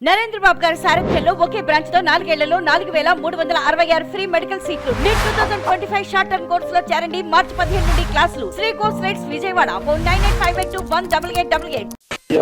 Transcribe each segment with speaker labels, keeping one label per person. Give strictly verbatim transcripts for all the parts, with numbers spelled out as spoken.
Speaker 1: నరేంద్ర బాబు గారి సారథ్యంలో ఒకే బ్రాంచ్ తో నాలుగేళ్లలో నాలుగు వేల మూడు వందల అరవై ఆరు ఫ్రీ మెడికల్ సీట్లు. NEET two thousand twenty five short term course లో చేరండి. మార్చి పదిహేను నుండి క్లాసులు. Shri course rates Vijayawada. Phone nine eight five eight two one double eight double eight.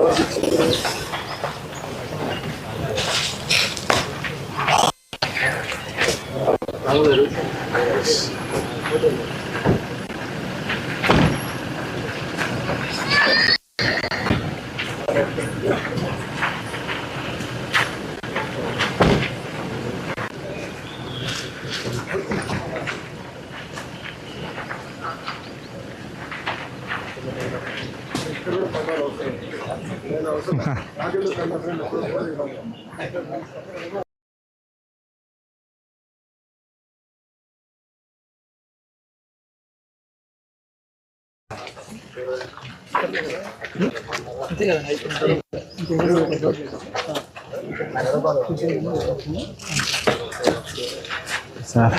Speaker 2: Sir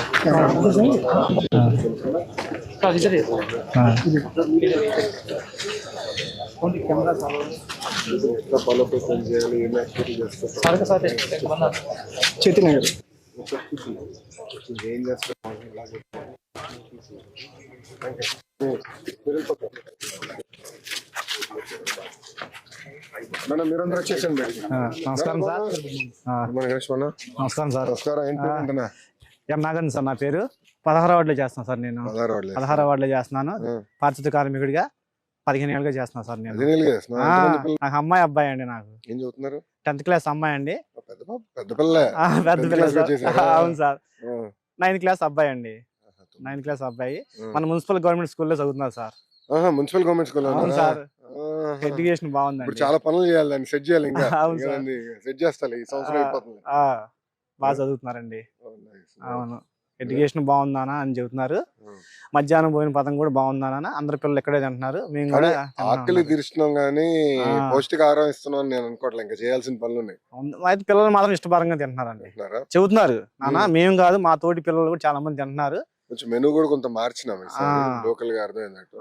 Speaker 2: చేతి
Speaker 3: ఏం చేస్తారు మేడం మీరందరూ వచ్చేసండి.
Speaker 2: నమస్కారం సార్. నమస్కారం సార్.
Speaker 3: నమస్కారం.
Speaker 2: ఎం నాగన్ సార్ నా పేరు. పదహారు వార్డులో చేస్తున్నాను సార్. నేను పదహారు వార్డులో చేస్తున్నాను. పారిశుద్ధ కార్మికుడిగా పదిహేను ఏళ్ళుగా చేస్తున్నాను సార్. నేను నాకు అమ్మాయి అబ్బాయి అండి. నాకు
Speaker 3: ఏం చదువుతున్నారు?
Speaker 2: టెన్త్ క్లాస్ అమ్మాయి అండి.
Speaker 3: పెద్ద పిల్ల.
Speaker 2: పెద్ద పిల్ల. అవును సార్. నైన్త్ క్లాస్ అబ్బాయి అండి. నైన్త్ క్లాస్ అబ్బాయి మన మున్సిపల్ గవర్నమెంట్ స్కూల్లో చదువుతున్నారు సార్.
Speaker 3: Municipal government school.
Speaker 2: అవును సార్. ఎడ్యుకేషన్ బాగుందండి.
Speaker 3: చాలా పనులు చేయాలి, దాన్ని సెట్ చేయాలి. ఇంకా సెట్ చేస్తాను ఈ సంవత్సరం అయిపోతుంది.
Speaker 2: బాగా చదువుతున్నారండి. అవును, ఎడ్యుకేషన్ బాగుందానా అని చెబుతున్నారు. మధ్యాహ్నం పోయిన పదం కూడా బాగుందానా. అందరు పిల్లలు ఎక్కడే తింటున్నారు. మేము కూడా
Speaker 3: ఆకలి తీరుస్తున్నాం గానీ పౌష్టికాహారం ఇస్తున్నాం అని నేను అనుకోవట్లేదు. ఇంకా చేయాల్సిన పనులు ఉన్నాయి.
Speaker 2: అయితే పిల్లలు మాత్రం ఇష్టపరంగా తింటున్నారండి, చెబుతున్నారు. నాన్న మేము కాదు, మా తోటి పిల్లలు కూడా చాలా మంది తింటున్నారు.
Speaker 3: కొంచెం మెనూ కూడా కొంత మార్చినాం లోకల్ గా అర్థమైనట్టు.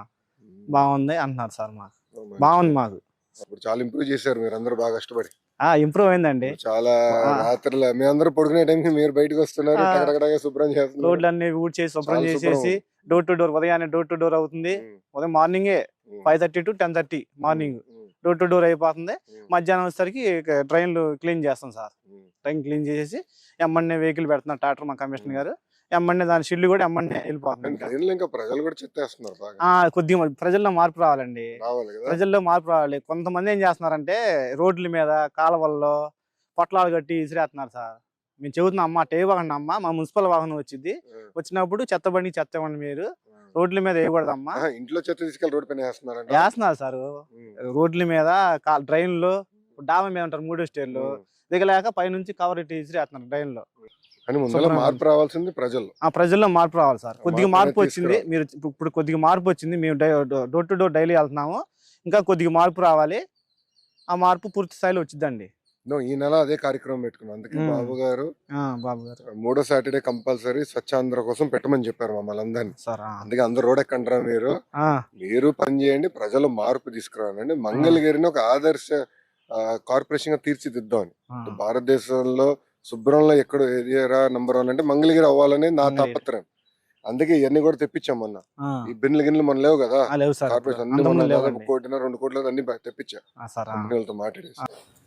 Speaker 2: బాగుంది అంటున్నారు సార్. మాకు బాగుంది. మాకు
Speaker 3: ఇప్పుడు చాలా ఇంప్రూవ్ చేశారు మీరు అందరూ బాగా కష్టపడి.
Speaker 2: ఇంప్రూవ్ అయిందండి చాలా.
Speaker 3: రాత్రులు మీ అందరూ పడుకునే టైంకి మీరు బయటకు వస్తున్నారు, శుభ్రం చేస్తున్నారు.
Speaker 2: రోడ్లు అన్ని ఊడ్చేసి శుభ్రం చేసేసి డోర్ టు డోర్ ఉదయాన్నే డోర్ టు డోర్ అవుతుంది. ఉదయం మార్నింగే five thirty to ten thirty morning door to door అయిపోతుంది. మధ్యాహ్నం వచ్చేసరికి ట్రైన్లు క్లీన్ చేస్తాం సార్. ట్రైన్ క్లీన్ చేసేసి ఎమ్మన్నే వెహికల్ పెడుతున్నారు ట్రాక్టర్ మా కమిషనర్ గారు. ఎమ్మన్నే దాని షిల్లు కూడా ఎమ్మన్నే వెళ్ళిపోతుంది.
Speaker 3: ప్రజలు కూడా చెత్తేస్తున్నారు.
Speaker 2: కొద్దిగా ప్రజల్లో మార్పు రావాలండి. ప్రజల్లో మార్పు రావాలి. కొంతమంది ఏం చేస్తున్నారంటే రోడ్ల మీద కాలువల్లో పొట్లాలు కట్టి ఇసిరేస్తున్నారు సార్. మేము చెబుతున్నాం, అమ్మ టే వాహనం అమ్మ, మా మున్సిపల్ వాహనం వచ్చింది, వచ్చినప్పుడు చెత్త బండి చెత్త ఇవ్వండి, మీరు రోడ్ల మీద వేయకూడదమ్మా.
Speaker 3: ఇంట్లో చెత్త తీసుకెళ్ళి రోడ్ పైన
Speaker 2: వేస్తున్నారు సార్. రోడ్ల మీద డ్రైన్ లో డాబా మీద ఉంటారు మూడో స్టేర్లు దిగలేక పైనుంచి కవర్ ఇట్టి ఇసిరేస్తున్నారు డ్రైన్ లో.
Speaker 3: మార్పు రావాల్సింది ప్రజలు.
Speaker 2: ఆ ప్రజల్లో మార్పు రావాలి సార్. కొద్దిగా మార్పు వచ్చింది. మీరు ఇప్పుడు కొద్దిగా మార్పు వచ్చింది. మేము డోర్ టు డోర్ డైలీ వెళ్తున్నాము. ఇంకా కొద్దిగా మార్పు రావాలి. ఆ మార్పు పూర్తి స్థాయిలో వచ్చిందండి.
Speaker 3: ఈ నెల అదే కార్యక్రమం పెట్టుకున్నాం. అందుకే బాబు గారు
Speaker 2: బాబు గారు
Speaker 3: మూడో సాటర్డే కంపల్సరీ స్వచ్ఛాంధ్ర కోసం పెట్టమని చెప్పారు మమ్మల్ని అందరినీ. అందుకే అందరు రోడ్ ఎక్కంటారా, మీరు మీరు పని చేయండి, ప్రజలు మార్పు తీసుకురావాలండి. మంగళగిరిని ఒక ఆదర్శ కార్పొరేషన్ గా తీర్చిదిద్దామని. భారతదేశంలో శుభ్రంలో ఎక్కడ ఏరియా నంబర్ వన్ అంటే మంగళగిరి అవ్వాలని నా తాపత్రయం. అందుకే ఇవన్నీ కూడా తెప్పించాం మొన్న. ఈ బిన్లు గిన్నెలు మన లేవు కదా, కార్పొరేషన్ అన్ని మొన్న కోటిన రెండు కోట్ల అన్ని తెప్పించా కంపెనీలతో మాట్లాడేసి.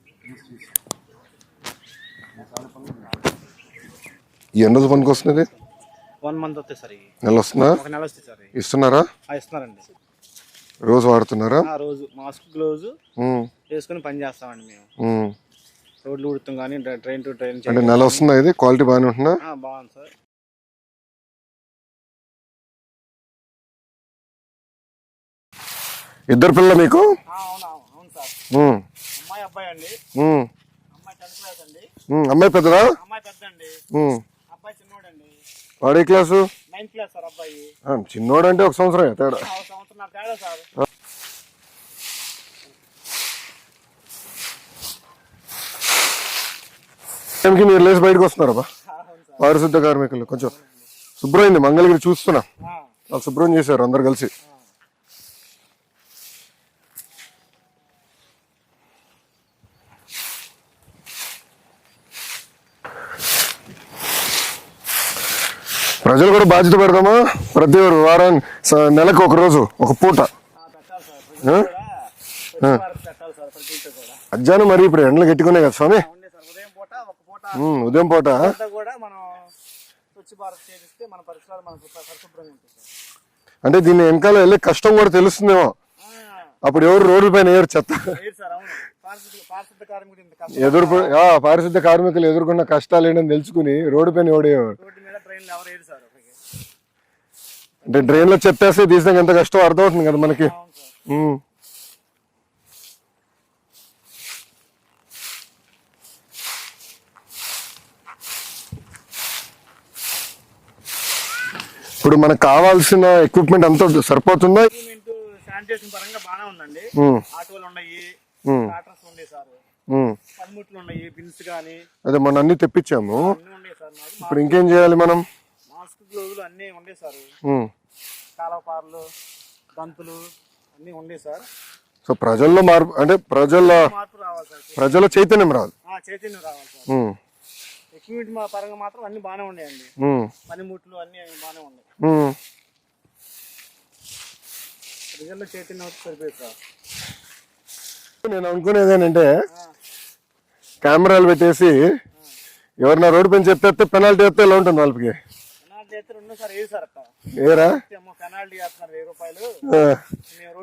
Speaker 3: ఈ ఎన్ని రోజు పనికి వస్తుంది? నెల వస్తుందా? ఇస్తున్నారా? రోజు వాడుతున్నారా?
Speaker 2: రోజు మాస్క్ గ్లోవ్స్ వేసుకుని పని చేస్తామండి మేము. రోడ్లు ఉడుతాం కానీ ట్రైన్ టు ట్రైన్.
Speaker 3: అంటే నెల వస్తుందా? ఇది క్వాలిటీ బాగానే ఉంటుందా?
Speaker 2: బాగుంది సార్.
Speaker 3: ఇద్దరు పిల్లలు మీకు?
Speaker 2: అమ్మాయి అబ్బాయి అండి. అమ్మాయి టెన్త్ క్లాస్ అండి.
Speaker 3: అమ్మాయి పెద్దదా?
Speaker 2: అమ్మాయి పెద్ద అండి. అబ్బాయి చిన్నోడండి.
Speaker 3: వాడు ఏ క్లాసు?
Speaker 2: నైన్త్ క్లాస్ సార్ అబ్బాయి.
Speaker 3: చిన్నోడు అంటే ఒక సంవత్సరం తేడా.
Speaker 2: సంవత్సరం తేడా సార్.
Speaker 3: టైంకి మీరు లేచి బయటకు వస్తున్నారా బా? పారిశుద్ధ కార్మికులు కొంచెం శుభ్రమైంది. మంగళగిరి చూస్తున్నా, వాళ్ళు శుభ్రం చేశారు అందరు కలిసి. ప్రజలు కూడా బాధ్యత పెడదామా? ప్రతి ఒక్క వారం స- నెలకు ఒక రోజు ఒక పూట ఆ? ఆ. మధ్యాహ్నం మరి ఇప్పుడు ఎండలు గట్టుకున్నాయి కదా స్వామి.
Speaker 2: ఉదయం పూట ఒక పూట
Speaker 3: ఉమ్, ఉదయం పూట
Speaker 2: అంతా కూడా మనం స్వచ్ఛ భారత్ చేస్తే మన పరిసరాలు మనకు పరిశుభ్రంగా ఉంటుంది సార్.
Speaker 3: అంటే దీన్ని వెనకాల వెళ్ళే కష్టం కూడా తెలుస్తుందేమో. అప్పుడు ఎవరు రోడ్ల పైన వేయరు చెత్త.
Speaker 2: లేదు సార్, అవును. పారిశుద్ధ పారిశుద్ధ కార్మికుడు ఇంత కష్టం.
Speaker 3: ఎదురు ఆ, పారిశుద్ధ కార్మికులు ఎదుర్కొన్న కష్టాలు ఏంటని తెలుసుకుని రోడ్డు పైన ఎవడేవారు.
Speaker 2: రోడ్డు మీద ట్రైన్లు ఎవరు వేయరు సార్ అక్కడికి.
Speaker 3: అంటే డ్రైన్ లో చెత్తేస్తే తీసినాక ఎంత కష్టం అర్థమవుతుంది కదా మనకి.
Speaker 2: అవును సార్.
Speaker 3: ఉమ్. ఇప్పుడు మనకు కావాల్సిన ఎక్విప్మెంట్ అంతా సరిపోతుందా?
Speaker 2: గవర్నమెంట్ శానిటేషన్ పరంగా బాగానే ఉందండి.
Speaker 3: ఉమ్,
Speaker 2: ఆటోలు ఉన్నాయి,
Speaker 3: ఉమ్,
Speaker 2: టాటర్స్ ఉన్నాయి సార్,
Speaker 3: ఉమ్.
Speaker 2: పనిముట్లు ఉన్నాయి, బిన్స్ కానీ
Speaker 3: అదే మొన్న అన్ని తెప్పించాము.
Speaker 2: అన్ని ఉన్నాయి సార్. మాకు
Speaker 3: ఇప్పుడు ఇంకేం చేయాలి మనం?
Speaker 2: మాస్క్ గ్లోజులు అన్నీ ఉన్నాయి సార్.
Speaker 3: ఉమ్.
Speaker 2: కాలవపార్లు, దంతులు అన్నీ ఉన్నాయి సార్.
Speaker 3: సో ప్రజల్లో మార్పు అంటే ప్రజల్లో
Speaker 2: మార్పు రావాలి సార్.
Speaker 3: ప్రజల చైతన్యం రాదు.
Speaker 2: ఆ, చైతన్యం రావాలి సార్.
Speaker 3: ఉమ్,
Speaker 2: ఎక్విప్మెంట్ మా పరంగా మాత్రం అన్ని బాగానే ఉన్నాయండి.
Speaker 3: ఉమ్,
Speaker 2: పనిముట్లు అన్ని బాగానే ఉన్నాయి.
Speaker 3: ఉమ్.
Speaker 2: ప్రజల్లో చైతన్యం వచ్చి సరిపోయింది సార్.
Speaker 3: నేను అనుకునేది ఏంటంటే కెమెరాలు పెట్టేసి ఎవరన్నా రోడ్డు పైన చెప్తే పెనాల్టీ వేస్తే ఎలా ఉంటుంది వాళ్ళకి?
Speaker 2: పెనాల్టీ అయితే రెండు సార్, ఏది సార్ అక్క
Speaker 3: ఏరా
Speaker 2: పెనాల్టీ వేస్తున్నారు వెయ్యి రూపాయలు.
Speaker 3: ఆ.
Speaker 2: మేము